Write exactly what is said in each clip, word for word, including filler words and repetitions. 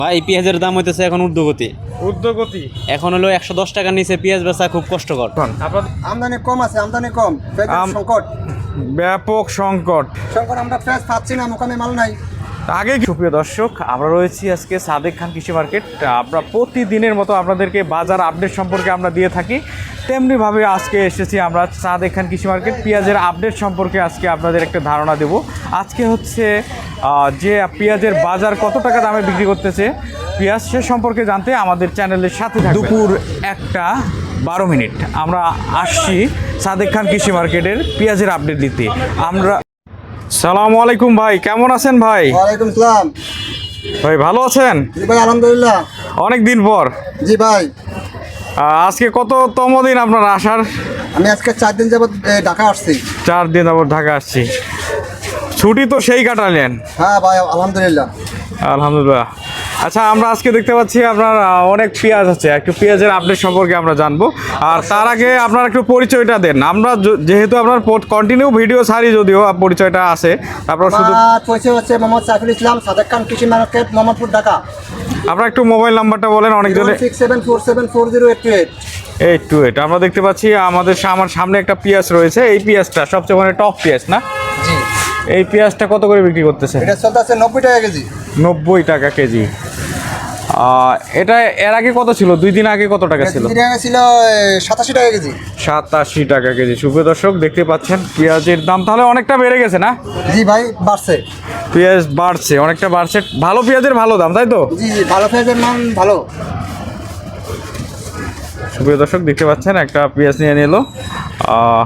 ভাই পেঁয়াজের দাম হইতেছে এখন ঊর্ধ্বগতি ঊর্ধ্বগতি এখন হলো একশো দশ টাকার নিচে পেঁয়াজ বেচা খুব কষ্টকর। আপনার আমদানি কম আছে, আমদানি কম, পেঁয়াজের আম- সংকট ব্যাপক সংকট। সংকট আমরা পেঁয়াজ পাচ্ছি না, মোকামে মাল নাই। আগে সুপ্রিয় দর্শক, আমরা রয়েছি আজকে সাদেক খান কৃষি মার্কেট। আমরা প্রতিদিনের মতো আপনাদেরকে বাজার আপডেট সম্পর্কে আমরা দিয়ে থাকি, তেমনিভাবে আজকে এসেছি আমরা সাদেক খান কৃষি মার্কেট। পেঁয়াজের আপডেট সম্পর্কে আজকে আপনাদের একটা ধারণা দেব। আজকে হচ্ছে আহ, যে পেঁয়াজের বাজার কত টাকা দামে বিক্রি করতেছে পেঁয়াজ, সে সম্পর্কে জানতে আমাদের চ্যানেলের সাথে থাকবেন। দুপুর একটা বারো মিনিট আমরা আসছি সাদেক খান কৃষি মার্কেটের পেঁয়াজের আপডেট দিতে। আমরা সালামু আলাইকুম ভাই, কেমন আছেন ভাই? ওয়ালাইকুম সালাম। ভাই ভালো আছেন? জি ভাই, আলহামদুলিল্লাহ। অনেক দিন পর। জি ভাই, আহ, আজকে কততম দিন আপনার আসার? আমি আজকে চার দিন যাবত এ, ঢাকা আসছি। চার দিন যাবত ঢাকা আসছি। ছুটি তো সেই কাটালেন? হ্যাঁ ভাই, আলহামদুলিল্লাহ। আলহামদুলিল্লাহ। আচ্ছা, আমরা আজকে দেখতে পাচ্ছি আপনার আহ, অনেক পেঁয়াজ আছে, একটু পেঁয়াজের আপডেট সম্পর্কে আমরা জানবো। আর তার আগে আপনার একটু পরিচয়টা দেন। আমরা য- যেহেতু আপনার কন্টিনিউ ভিডিও ছাড়ি, যদিও পরিচয়টা আছে, তারপর শুধু আমার পরিচয় হচ্ছে মোহাম্মদ সাইফুল ইসলাম, সাদেক খান কৃষি মার্কেট, মোহাম্মদপুর, ঢাকা। আপনার একটু মোবাইল নাম্বারটা বলেন। অনেকজনে six seven four seven four zero eight two eight. Eight two eight. আমরা দেখতে পাচ্ছি আমাদের সা- আমার সামনে একটা পেঁয়াজ রয়েছে। এই পেঁয়াজটা সবচেয়ে মানে টপ পেঁয়াজ না? জি, এই পেঁয়াজটা কত করে বিক্রি করতেছে? এটা চলতে আছে নব্বই টাকা কেজি। নব্বই টাকা কেজি। আহ, এটা এর আগে কত ছিল? দুই দিন আগে কত টাকা ছিল? দুই টাকা ছিল সাতাশি টাকা কেজি। সাতাশি টাকা কেজি। সুপ্রিয় দর্শক, দেখতে পাচ্ছেন পেঁয়াজের দাম তাহলে অনেকটা বেড়ে গেছে না? জি ভাই, বাড়ছে। পেঁয়াজ বাড়ছে, অনেকটা বাড়ছে। ভালো পেঁয়াজের ভালো দাম, তাই তো? জি জি, ভালো পেঁয়াজের মান ভালো। সুপ্রিয় দর্শক, দেখতে পাচ্ছেন একটা পেঁয়াজ নিয়ে নিল। আহ,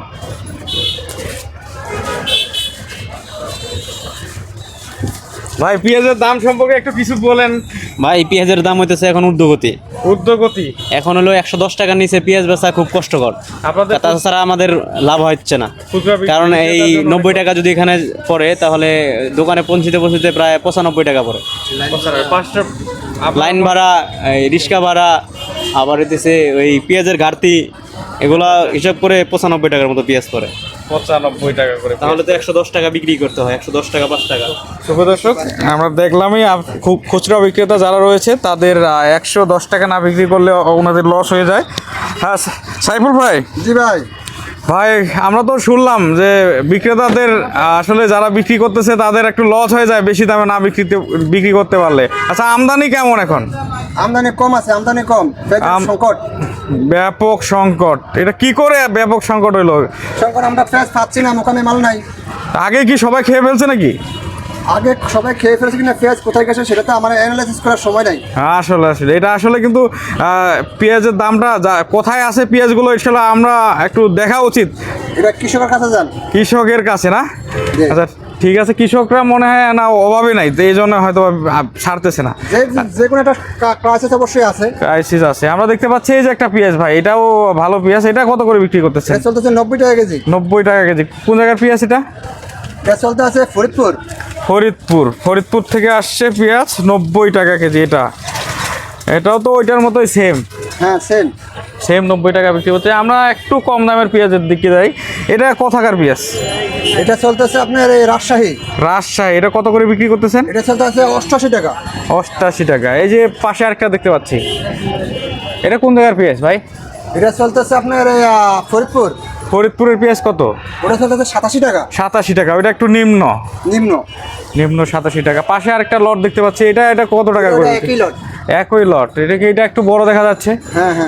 ভাই পেঁয়াজের দাম সম্পর্কে একটু কিছু বলেন। ভাই পেঁয়াজের দাম হইতেছে এখন ঊর্ধ্বগতি ঊর্ধ্বগতি। এখন হলো একশো দশ টাকার নিচে পেঁয়াজ বেচা খুব কষ্টকর। আপনাদের তাছাড়া আমাদের লাভ হচ্ছে না, খুচরা বিক্রি- কারণ এই নব্বই টাকা যদি এখানে পড়ে তাহলে দোকানে পৌঁছিতে পৌঁছিতে প্রায় পঁচানব্বই টাকা পড়ে। পাঁচটা লাইন ভাড়া, এই রিক্সা ভাড়া, আবার হইতেছে ওই পেঁয়াজের ঘাটতি, এগুলা হিসাব করে পঁচানব্বই টাকার মতো পেঁয়াজ পড়ে। পঁচানব্বই টাকা করে। তাহলে তো একশো দশ টাকা বিক্রি করতে হয়, একশো দশ টাকা পাঁচ টাকা। শুভ দর্শক, আমরা দেখলামই আপ- খুব খুচরা বিক্রেতা যারা রয়েছে তাদের একশো দশ টাকা না বিক্রি করলে ওনাদের লস হয়ে যায়। হ্যাঁ সা- সাইফুল ভাই, জি ভাই, ভাই আমরা তো শুনলাম যে বিক্রেতাদের আহ, আসলে যারা বিক্রি করতেছে তাদের একটু লস হয়ে যায় বেশি দামে না বিক্রিতে বিক্রি করতে পারলে। আচ্ছা, আমদানি কেমন এখন? আমদানি কম আছে, আমদানি কম, পেঁয়াজের আম- সংকট। ব্যাপক সংকট। এটা কি করে ব্যাপক সংকট হইলো? সংকট, আমরা পেঁয়াজ পাচ্ছি না, মোকামে মাল নাই। আগে কি সবাই খেয়ে ফেলছে নাকি? আগে সবাই খেয়ে ফেলেছে কিনা, পেঁয়াজ কোথায় গেছে সেটা তো আমার অ্যানালাইসিস করার সময় নাই। আসলে আসলে এটা আসলে কিন্তু আহ, পেঁয়াজের দামটা যা কোথায় আছে পেঁয়াজগুলো, আসলে আমরা একটু দেখা উচিত এটা কৃষকের কাছে যান। কৃষকের কাছে না? জি। আচ্ছা ঠিক আছে, কৃষকরা মনে হয় না অভাবে নাই, তো এই জন্য হয়তো আহ, ছাড়তেছে না। যে যে কোনো একটা ক্রাইসিস অবশ্যই আছে। ক্রাইসিস আছে। আমরা দেখতে পাচ্ছি এই যে একটা পেঁয়াজ, ভাই এটাও ভালো পেঁয়াজ। এটা কত করে বিক্রি করতেছে? এটা চলতেছে নব্বই টাকা কেজি। নব্বই টাকা কেজি। কোন জায়গার পেঁয়াজ এটা? এটা চলতে আছে ফরিদপুর। ফরিদপুর। ফরিদপুর থেকে আসছে পেঁয়াজ, নব্বই টাকা কেজি। এটা এটাও তো ওইটার মতোই সেম হ্যাঁ, সেম। সেম নব্বই টাকা বিক্রি করতে। আমরা একটু কম দামের পেঁয়াজের দিকে যাই। এটা কোথাকার পেঁয়াজ? এটা চলতেছে আপনার এই রাজশাহী। রাজশাহী। এটা কত করে বিক্রি করতেছেন? এটা চলতে আছে অষ্টআশি টাকা। অষ্টাশি টাকা। এই যে পাশে আরেকটা দেখতে পাচ্ছি, এটা কোন জায়গার পেঁয়াজ ভাই? এটা চলতেছে আপনার এই, আহ, ফরিদপুর। ফরিদপুরের পেঁয়াজ কত? ওটা চলতেছে সাতাশি টাকা। সাতাশি টাকা। ওইটা একটু নিম্ন নিম্ন। নিম্ন সাতাশি টাকা। পাশে আরেকটা লট দেখতে পাচ্ছি, এটা এটা কত টাকা করে? ওটা একই লট। একই লট। এটা কি এটা একটু বড় দেখা যাচ্ছে? হ্যাঁ হ্যাঁ,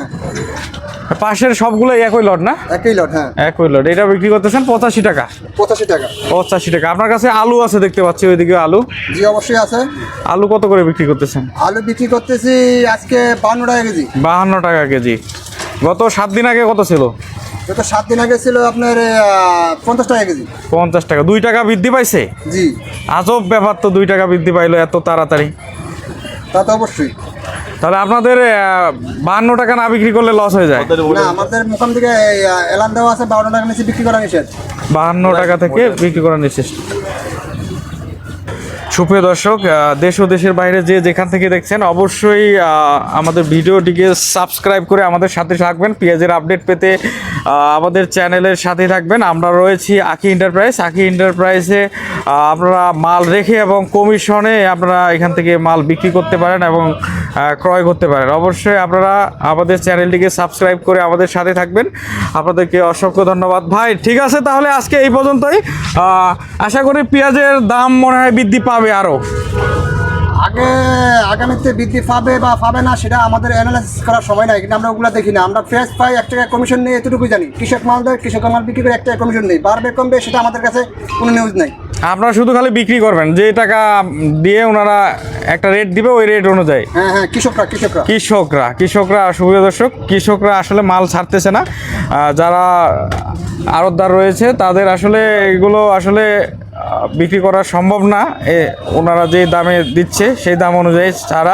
পাশের সবগুলোই একই লট না? একই লট। হ্যাঁ, একই লট। এটা বিক্রি করতেছেন পঁচাশি টাকা। পঁচাশি টাকা। পঁচাশি টাকা। আপনার কাছে আলু আছে দেখতে পাচ্ছি, ওইদিকে আলু। জি, অবশ্যই আছে। আলু কত করে বিক্রি করতেছেন? আলু বিক্রি করতেছি আজকে বান্ন টাকা কেজি। বাহান্ন টাকা কেজি। গত সাত দিন আগে কত ছিল? গত সাত দিন আগে ছিল আপনার আহ, পঞ্চাশ টাকা কেজি। পঞ্চাশ টাকা। দুই টাকা বৃদ্ধি পাইছে। জি, আজব ব্যাপার তো, দুই টাকা বৃদ্ধি পাইলো এত তাড়াতাড়ি। তা তো অবশ্যই। তাহলে আপনাদের বাহান্ন টাকা না বিক্রি করলে লস হয়ে যায়? না, আমাদের মোকাম থেকে এই, আহ, এলান দেওয়া আছে বারো টাকা নিচে বিক্রি করা নিষেধ। বাহান্ন টাকা থেকে বিক্রি করা নিচ্ছে। সুপ্রিয় দর্শক, আহ, দেশ ও দেশের বাইরে যে যেখান থেকে দেখছেন অবশ্যই আহ, আমাদের ভিডিওটিকে সাবস্ক্রাইব করে আমাদের সাথে থাকবেন। পেঁয়াজের আপডেট পেতে আহ, আমাদের চ্যানেলের সাথে থাকবেন। আমরা রয়েছি আকি এন্টারপ্রাইজ। আকি এন্টারপ্রাইজে আহ, আপনারা মাল রেখে এবং কমিশনে আপনারা এখান থেকে মাল বিক্রি করতে পারেন এবং আহ, ক্রয় করতে পারেন। অবশ্যই আপনারা আমাদের চ্যানেলটিকে সাবস্ক্রাইব করে আমাদের সাথে থাকবেন। আপনাদেরকে অসংখ্য ধন্যবাদ ভাই। ঠিক আছে, তাহলে আজকে এই পর্যন্তই। আহ, আশা করি পেঁয়াজের দাম মনে হয় বৃদ্ধি পাবে আরও। আগে আগামীতে বৃদ্ধি পাবে বা পাবে না সেটা আমাদের অ্যানালাইসিস করার সময় নাই, কিন্তু আমরা ওগুলো দেখি না। আমরা ফ্রেশ পাই, এক টাকা কমিশন নিয়ে এতটুকুই জানি। কৃষক মাল দেয়, কৃষকের মাল বিক্রি করে এক টাকা কমিশন নেই। বাড়বে কমবে সেটা আমাদের কাছে কোনো নিউজ নাই। আপনারা শুধু খালি বিক্রি করবেন, যে টাকা দিয়ে ওনারা একটা রেট দিবে ওই রেট অনুযায়ী। হ্যাঁ হ্যাঁ, কৃষকরা কৃষকরা কৃষকরা কৃষকরা সুপ্রিয় দর্শক, কৃষকরা আসলে মাল ছাড়তেছে না। আহ, যারা আড়তদার রয়েছে তাদের আসলে এগুলো আসলে আহ, বিক্রি করা সম্ভব না। এ ওনারা যে দামে দিচ্ছে সেই দাম অনুযায়ী ছাড়া।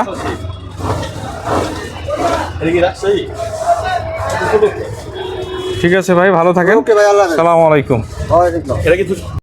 ঠিক আছে ভাই, ভালো থাকেন। ওকে ভাই, আল্লাহ হাফেজ। আসসালামু আলাইকুম। ওয়ালাইকুম আসসালাম।